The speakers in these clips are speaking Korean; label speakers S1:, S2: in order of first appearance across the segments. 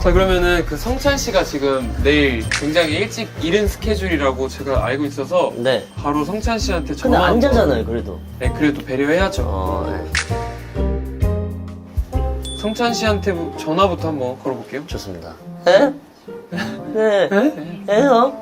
S1: 자, 그러면은 그 성찬 씨가 지금 내일 굉장히 일찍 이른 스케줄이라고 제가 알고 있어서
S2: 네.
S1: 바로 성찬 씨한테
S2: 근데
S1: 전화.
S2: 안 자잖아요, 그래도.
S1: 네, 그래도 배려해야죠.
S2: 네.
S1: 성찬 씨한테 전화부터 한번 걸어볼게요.
S2: 좋습니다. 에? 네. 에요?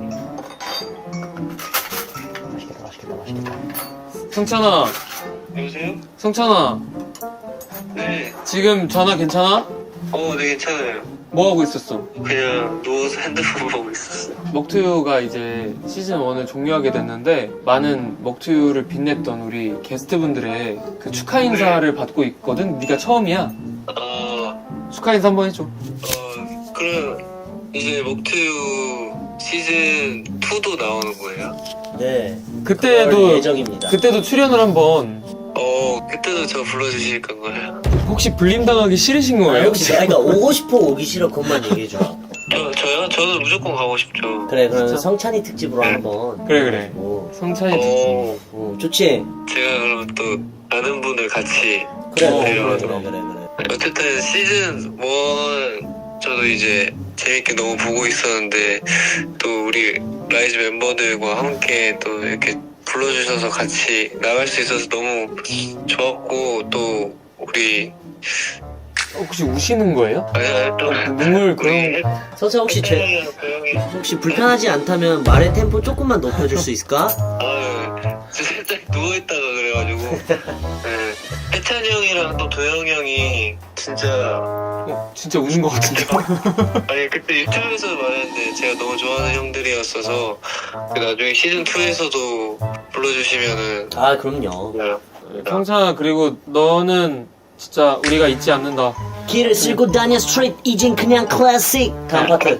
S2: 맛있겠다, 맛있겠다, 맛있겠다.
S1: 성찬아,
S3: 여보세요?
S1: 성찬아,
S3: 네.
S1: 지금 전화 괜찮아?
S3: 네, 괜찮아요.
S1: 뭐 하고 있었어?
S3: 그냥 누워서 핸드폰 보고 있었어요.
S1: 먹투유가 이제 시즌 1을 종료하게 됐는데 많은 먹투유를 빛냈던 우리 게스트분들의 그 축하 인사를 받고 있거든. 네가 처음이야. 축하 인사 한번 해줘.
S3: 그럼 이제 먹투유 시즌 2도 나오는 거예요?
S2: 네. 그럴
S1: 그때도
S2: 예정입니다.
S1: 그때도 출연을 한번.
S3: 그때도 저 불러주실 건가요?
S1: 혹시 불림 당하기 싫으신
S2: 아,
S1: 거예요?
S2: 혹시, 그러니까 오고 싶어, 오기 싫어, 그것만 얘기해줘.
S3: 저요? 저는 무조건 가고 싶죠.
S2: 그래, 그러면 성찬이 특집으로 한번.
S1: 그래.
S2: 오,
S1: 성찬이 듣지.
S2: 오, 좋지?
S3: 제가 그럼 또 아는 분을 같이
S2: 그래,
S1: 어,
S2: 그래,
S1: 그래,
S2: 그래, 그래, 그래.
S3: 어쨌든 시즌 1 저도 이제 재밌게 너무 보고 있었는데 또 우리 라이즈 멤버들과 함께 또 이렇게 불러주셔서 같이 나갈 수 있어서 너무 좋았고 또 우리
S1: 혹시 우시는 거예요?
S3: 또
S1: 눈물 그런.
S2: 성찬 혹시 혹시 불편하지 않다면 말의 템포 조금만 높여줄 수 있을까?
S3: 저 살짝 누워있다가 그래가지고 해찬이 형이랑 또 도영 형이
S1: 진짜 우는 것 같은데.
S3: 아니 그때 유튜브에서 말했는데 제가 너무 좋아하는 형들이었어서 나중에 시즌 2에서도 불러주시면은
S2: 아, 그럼요.
S1: 성찬아, 그리고 너는 진짜 우리가 잊지 않는다.
S2: 길을 쓸고 다녀 스트릿 이젠 그냥 클래식. 다음 파트.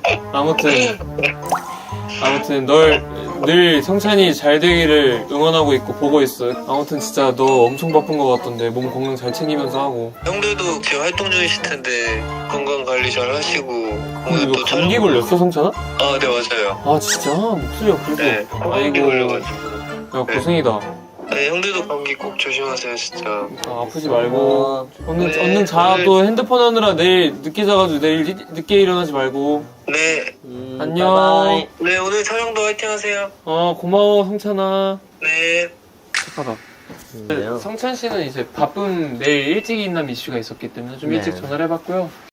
S1: 아무튼 널 늘 성찬이 잘 되기를 응원하고 있고 보고 있어. 아무튼 진짜 너 엄청 바쁜 것 같던데 몸 건강 잘 챙기면서 하고.
S3: 형들도 지금 활동 중이실 텐데 건강 관리 잘 하시고 오늘
S1: 이거
S3: 또
S1: 감기
S3: 촬영-
S1: 걸렸어, 성찬아?
S3: 네 맞아요.
S1: 아 진짜? 목소리가 그래도.
S3: 네 감기
S1: 아이고.
S3: 걸려가지고
S1: 야, 고생이다.
S3: 네, 형들도 감기 꼭 조심하세요 진짜.
S1: 아프지 말고 얼른
S3: 네,
S1: 얼른 자.
S3: 오늘-
S1: 또 핸드폰 하느라 내일 늦게 자가지고 내일 늦게 일어나지 말고.
S3: 네.
S1: 안녕.
S2: 바이바이.
S3: 네 오늘 촬영도 화이팅 하세요.
S1: 고마워 성찬아.
S3: 네.
S1: 착하다.
S2: 네요.
S1: 성찬 씨는 이제 바쁜 내일 일찍 일어남 이슈가 있었기 때문에 좀
S2: 네.
S1: 일찍 전화를 해봤고요.